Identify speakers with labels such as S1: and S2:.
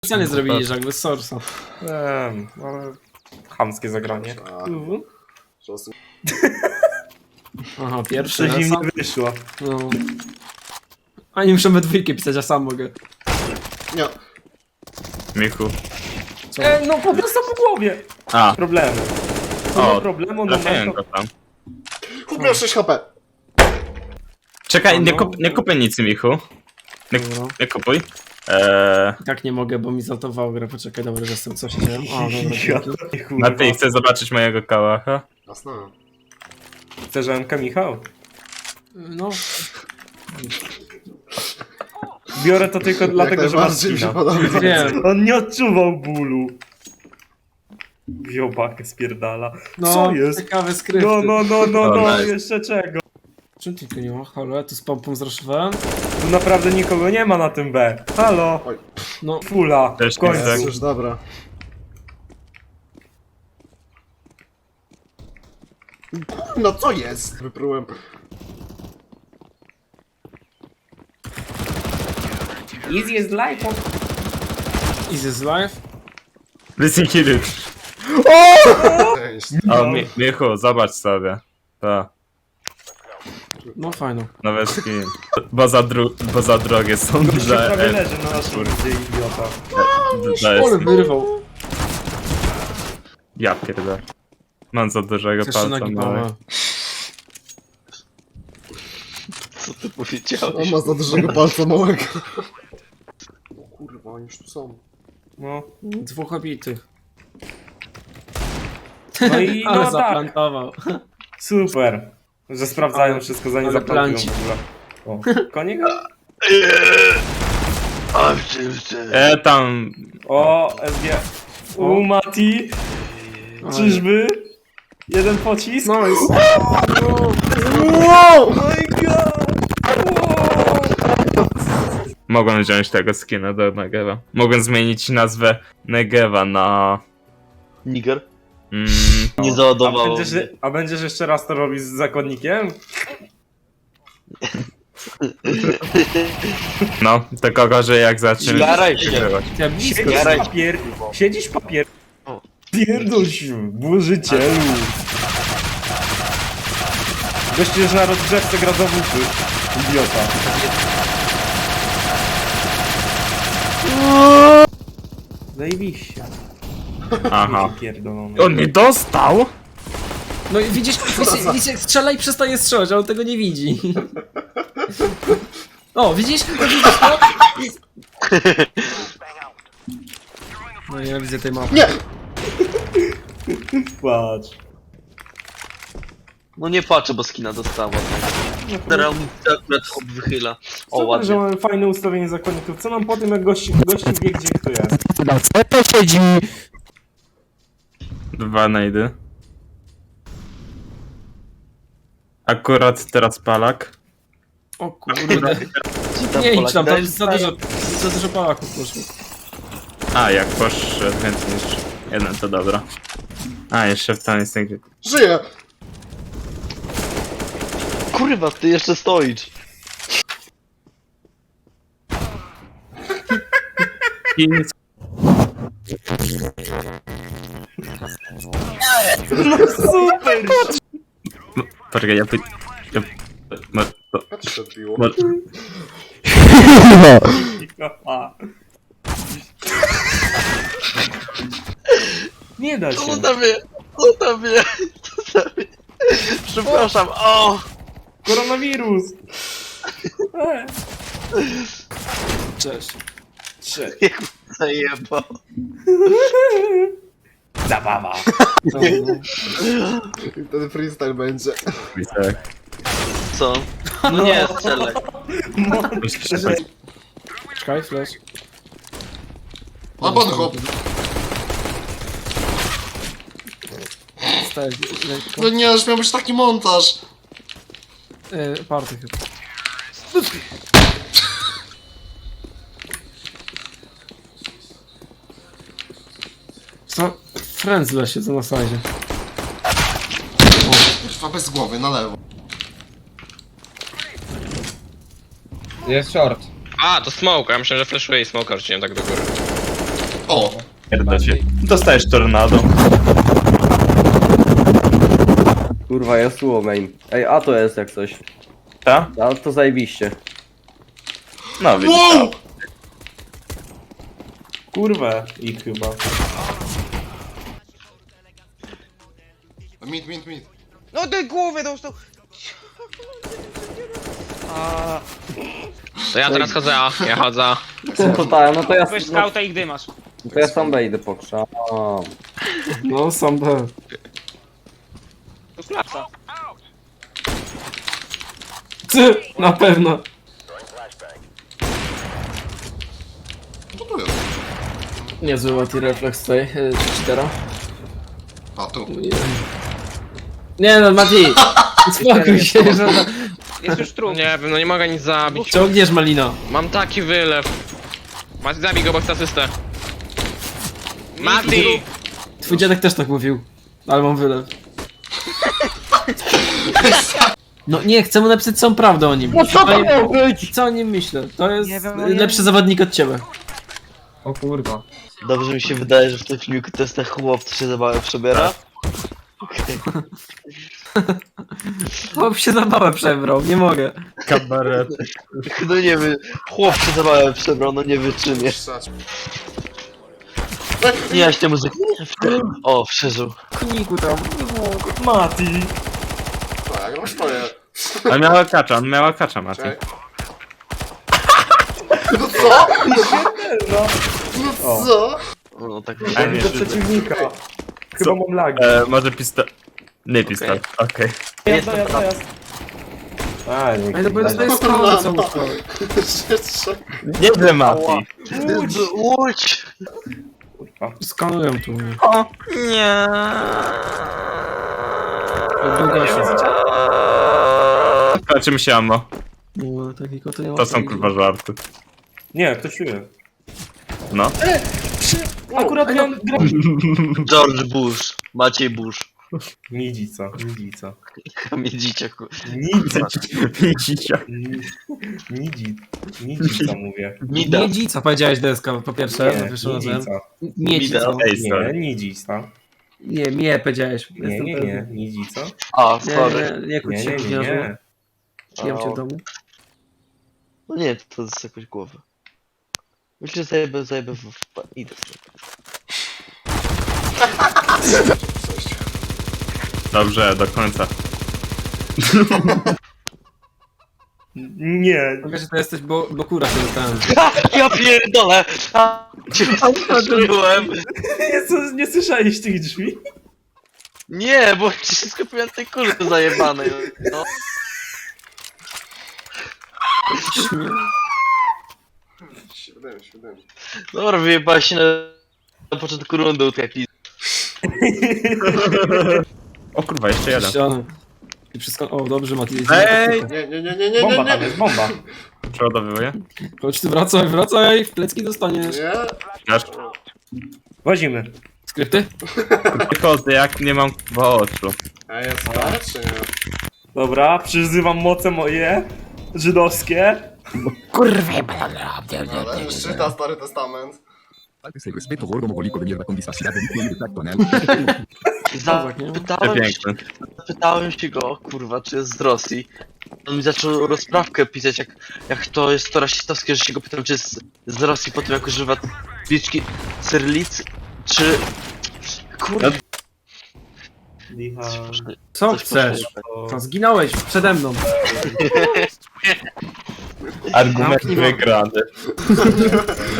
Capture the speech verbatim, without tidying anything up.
S1: Specjalnie zrobili, że jakby z Sorsa.
S2: Wiem, ale chamskie zagranie. Mhm.
S1: Aha, pierwszy
S2: Coś im
S1: esa.
S2: nie wyszło.
S1: No. Ani muszę we dwójkę pisać, a sam mogę.
S3: Nie.
S4: Michu.
S1: Co?
S2: E, no po prostu po głowie.
S4: A,
S2: Problemy.
S4: O,
S2: O, problemu, no
S4: trafiłem
S2: to...
S4: go tam.
S3: Chłop miał sześć H P.
S4: Czekaj, nie,
S1: no.
S4: kup, nie kupuj nic, Michu. Nie,
S1: Dobra.
S4: nie kupuj. Eee,
S1: I tak nie mogę, bo mi zaltowało grę. Poczekaj, dobra, że jestem, co się dzieje. O, dobra,
S2: Ja
S1: dzięki.
S2: to kurwa.
S4: Martin, chcesz zobaczyć mojego kałacha?
S3: Jasne.
S2: Chcesz M K, Michał?
S1: No,
S2: Biorę to tylko dlatego, że masz
S3: najbardziej mi się
S2: skina.
S3: podoba.
S1: wiem.
S2: On nie odczuwał bólu. Wziął pakę, spierdala.
S1: No,
S2: Co jest?
S1: ciekawe skrypty.
S2: No, no, no, no,
S4: O,
S2: no,
S4: nice.
S2: jeszcze czego?
S1: Czym ty tu nie ma? Halo, ja tu z pompą zraszowałem.
S2: Tu naprawdę nikogo nie ma na tym B. Halo?
S1: No,
S2: Fula,
S4: Też
S2: w końcu.
S4: nie
S3: Już dobra. No co jest? Wyprułem.
S2: Easy is life.
S1: is this life?
S4: Listen, kill it.
S3: Cześć.
S4: O, Mi, Michu, zobacz sobie. To,
S1: No fajno.
S4: nowe skin. Bo za, dru, bo za drogie są
S2: Gościu
S4: dla...
S2: prawie
S4: E,
S2: leży na naszym ludzie, idiota.
S4: dla
S1: Ole
S4: S.
S1: wyrwał.
S4: Ja pierdolę. Mam za dużego
S1: Jeszcze
S4: palca.
S1: nogi
S4: małe.
S1: małe.
S5: Co ty powiedziałeś?
S3: On ma za dużego palca małego. O kurwa, oni już tu są.
S2: No.
S1: Dwóch obitych.
S2: No i
S1: Ale
S2: no tak.
S1: zaplantował.
S2: Super. Że sprawdzają
S1: Ale-
S2: wszystko zanim
S1: ale
S2: zaplantują
S1: planci.
S2: w ogóle. O, konik?
S5: A w czym ty?
S4: E, tam...
S2: O, S G. U, Mati. Czyżby? Jeden pocisk?
S1: No i...
S2: Oh my god!
S4: Mogłem wziąć tego skina do Negewa. Mogłem zmienić nazwę Negewa na...
S5: Niger?
S4: Mm,
S5: Nie
S2: A
S5: załadowało
S2: będziesz,
S5: mnie.
S2: a będziesz jeszcze raz to robić z zakonnikiem?
S4: no, tylko gorzej jak zaczniesz
S5: Jaraj się.
S4: wygrywać.
S1: Ja blisko.
S2: Siedzisz
S5: Jaraj.
S2: papier. Siedzisz papier.
S5: O.
S2: Pierdol się, włożycielu. Gościu już na rozgrzewce gra za wupy. Idiota. Zajebiście.
S4: Aha.
S2: Pierdolony.
S4: On nie dostał?
S1: No i widzisz, widzisz, widzisz, strzela i przestaje strzelać, a on tego nie widzi. O, widzisz? No, widzisz to? No ja widzę tej mapy.
S3: Nie!
S2: Patrz.
S5: No nie patrzę, bo skina dostała. Teraz mi się akurat hop wychyla. O,
S2: Super, że
S5: ładnie.
S2: mamy fajne ustawienie zakonników. Co nam po tym, jak gości, gości wie, gdzie kto jest?
S1: Co to siedzi?
S4: Dwa najdy. Akurat teraz palak.
S1: O kurde.
S5: Ci tam
S1: Nie idź
S5: Polak
S1: tam, tam
S5: daje
S1: jest za dużo, za dużo pałaków poszło.
S4: A, jak poszedł więcej niż jeden, to dobra. A, jeszcze w tam jest nigdzie.
S3: Żyję!
S5: Kurwa, ty jeszcze stoisz.
S2: Super!
S4: Poczekaj, ja py... Ja... No, to...
S3: Jak się odbiło?
S4: No,
S2: A. Nie da się.
S5: Co tam mnie? Co tam mnie? Co tam mnie? Przepraszam, o!
S2: Koronawirus! E.
S1: Cześć.
S2: Cześć.
S5: Jak zajebał.
S2: Zabawa.
S1: No, no.
S3: I wtedy freestyle będzie.
S4: widzę.
S5: Co? No nie, strzelaj.
S1: Czekaj, flash.
S3: A pan hop!
S1: Staję lekko.
S3: No nie, już miał być taki montaż.
S1: E, party chyba. Co? Frenzle siedzą na sajdzie.
S3: Kurwa, bez głowy, na lewo.
S6: Jest short.
S7: A, to smoke, ja myślę, że flashuje i smoka rzuciłem tak do góry.
S4: Pierdocie. Dostajesz tornado.
S6: Kurwa, ja słowo main. Ej, a to jest jak coś.
S4: Ta?
S6: A to zajebiście.
S4: No widzisz.
S3: Wow!
S2: Kurwa, ich chyba.
S3: Mid, mid, mid.
S7: No ty głowę dostał! A...
S8: To ja teraz chodzę, a ja chodzę.
S6: To tak, no to ja,
S7: Weź
S6: no,
S7: skauta i gdy masz.
S6: to ja sam wejdę pokrzam.
S1: No, sam B.
S7: To klapsa.
S1: Ty, na pewno.
S3: Co to jest?
S1: Niezły Mati refleks tutaj, e, cztera.
S3: A, tu.
S1: Nie no, Mati! Spokój się, że...
S7: Jest już trup.
S8: Nie wiem, no nie mogę nic zabić.
S1: Ciągniesz Malino.
S8: Mam taki wylew. Mati, zabij go, bo chcę asystę. Mati!
S1: Twój dziadek też tak mówił. Ale mam wylew. No nie, chcę mu napisać całą prawdę o nim.
S6: No co to miało być?
S1: Co o nim myślę? To jest
S7: Nie wiem, no nie
S1: lepszy
S7: wiem.
S1: zawodnik od ciebie.
S5: O kurwa. Dobrze mi się wydaje, że w tym filmiku to jest ten chłop, co się zabawę przebiera.
S1: Chłop się zabawę przebrał, nie mogę.
S4: Kabaret.
S5: No nie wiem, chłop się zabawę przebrał, no nie wyczynię.
S3: Ssać.
S5: Nie, ja się muzykę. O, przeżył.
S1: Kuniku tam.
S2: Mati!
S3: Tak, jak masz twoje.
S4: Ale miała kacza, on miała kacza, Mati.
S3: Czekaj. No co?
S2: No,
S3: No co?
S5: No tak
S4: A nie,
S2: do przeciwnika. Chyba mam lagi.
S4: E, może pistol... Nie pistol, okej.
S2: Dojazd, dojazd, dojazd. A, nie.
S1: Ale to bo to jest skałka co łóżko.
S3: Jeszcze.
S4: Nieźle Mati.
S5: Łódź! Łódź!
S2: Kurwa.
S1: Skanują tu.
S8: O, nie.
S1: Długa się.
S4: Kończy mi się ammo.
S1: No, takiego to nie ma.
S4: To są kurwa żarty.
S2: Nie, ktoś tu jest.
S4: No.
S2: Akurat miałem grę.
S5: George Bush. Maciej Bush.
S2: Nidzica, nidzica.
S5: Kamiedzicie, ku...
S2: Nidzica.
S4: Widzicie.
S2: Nidzi. Nidzica mówię.
S5: Mida.
S1: Miedzica powiedziałeś deska po pierwsze, za
S2: Nie,
S1: pierwszym razem.
S2: nidzica.
S1: Miedzica.
S4: Ej,
S2: Nie,
S4: sorry.
S2: nidzica.
S1: Nie, mnie powiedziałeś.
S2: Nie,
S1: Jestem
S2: nie,
S1: pewny.
S2: nie, nidzica.
S5: A,
S1: Nie,
S5: sorry.
S1: nie, nie, kłóć
S2: Nie,
S1: się,
S2: nie, nie,
S1: gniazdo.
S2: nie.
S1: Śniam cię w domu.
S5: No nie, to jest jakoś głowa. Myślę, że zajebę, zajebę w... w... Idę sobie.
S4: Dobrze, do końca.
S2: Nie.
S1: Wiesz, że to jesteś, bo, bo kura się dostałem.
S5: Ja pierdolę! A, cię słyszałem.
S2: Nie, co- nie słyszałeś tych drzwi?
S5: Nie, bo ci się skupiłem na tej kurze zajebanej. No.
S3: Siedem, siedem.
S5: Dobra, wyjebałeś się na, na początku rundy u tej pizzy.
S4: O kurwa, jeszcze jeden.
S1: Ścianę. I wszystko... O, dobrze, Mati.
S4: Ej!
S3: Nie, nie, nie, nie, nie,
S2: Bomba
S3: nie,
S2: tam
S3: nie.
S2: jest, bomba.
S4: Przeładowuję.
S1: Chodź tu, wracaj, wracaj, w plecki dostaniesz.
S3: Nie.
S4: Wiesz,
S2: Wozimy.
S1: Skrypty?
S4: tylko jak nie mam w oczu.
S3: A jest stare, czy nie?
S2: Dobra, przyzywam moce moje. Żydowskie.
S3: Ale czyta Stary Testament.
S9: Il rispetto gordo-mogolico venire da condisfazione di tacto, ne?
S5: Zapytałem,
S4: Przepiękny.
S5: zapytałem się go, kurwa, czy jest z Rosji. On mi zaczął rozprawkę pisać, jak, jak to jest to rasistowskie, że się go pytam, czy jest z Rosji po tym, jak używa liczki cyrlic, czy... Kurwa,
S2: Licha.
S1: Co
S5: coś
S1: chcesz?
S5: poszło.
S1: Co, zginąłeś przede mną.
S4: Argument wygrany.